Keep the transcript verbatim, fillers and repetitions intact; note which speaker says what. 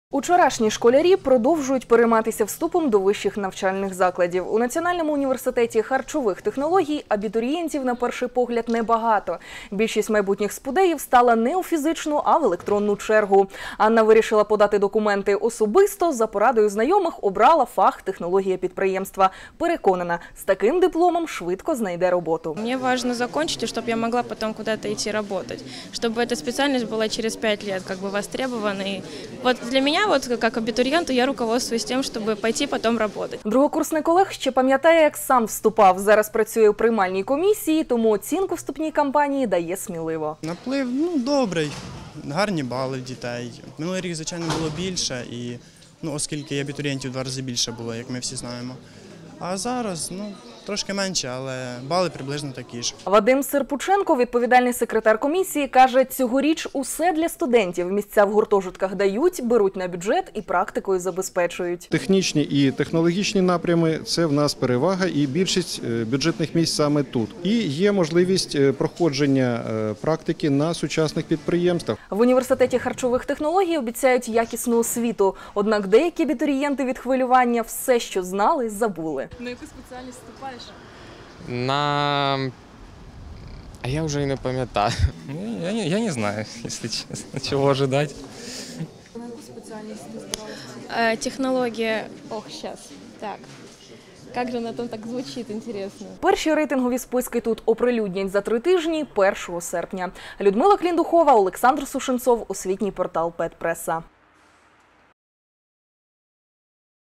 Speaker 1: Учорашні школярі продовжують перейматися вступом до вищих навчальних закладів. У Національному університеті харчових технологій абітурієнтів на перший погляд небагато. Більшість майбутніх спудеїв стала не у фізичну, а в електронну чергу. Анна вирішила подати документи особисто, за порадою знайомих обрала фах технологія підприємства. Переконана, з таким дипломом швидко знайде роботу.
Speaker 2: Мені важливо закінчити, щоб я могла потім кудись йти працювати. Щоб ця спеціальність була через п'ять років как бы востребована. І от для мене вот как абитуриенту я руководствуюсь тем, чтобы пойти потом работать.
Speaker 1: Другокурсник Олег ще пам'ятає, як сам вступав. Зараз працює у приймальній комісії, тому оцінку вступній кампанії дає сміливо.
Speaker 3: Наплив, ну, добрий, гарні бали в дітей. Минулий рік, звичайно, було більше, і, ну, оскільки абітурієнтів в два рази більше було, як ми всі знаємо. А зараз, ну, трошки менше, але бали приблизно такі ж.
Speaker 1: Вадим Серпученко, відповідальний секретар комісії, каже, цьогоріч усе для студентів. Місця в гуртожитках дають, беруть на бюджет і практикою забезпечують.
Speaker 4: Технічні і технологічні напрями – це в нас перевага, і більшість бюджетних місць саме тут. І є можливість проходження практики на сучасних підприємствах.
Speaker 1: В університеті харчових технологій обіцяють якісну освіту. Однак деякі абітурієнти від хвилювання все, що знали, забули.
Speaker 2: На яку спеціальність вступаєш?
Speaker 5: На... А я вже і не пам'ятаю.
Speaker 6: Я не, я не знаю, если честно, чего ожидать.
Speaker 2: На яку спеціальність ти збиралася? Технологія... Ох, зараз. Так. Як же на том так звучить, інтересно.
Speaker 1: Перші рейтингові списки тут оприлюднять за три тижні, першого серпня. Людмила Кліндухова, Олександр Сушенцов, освітній портал Педпреса.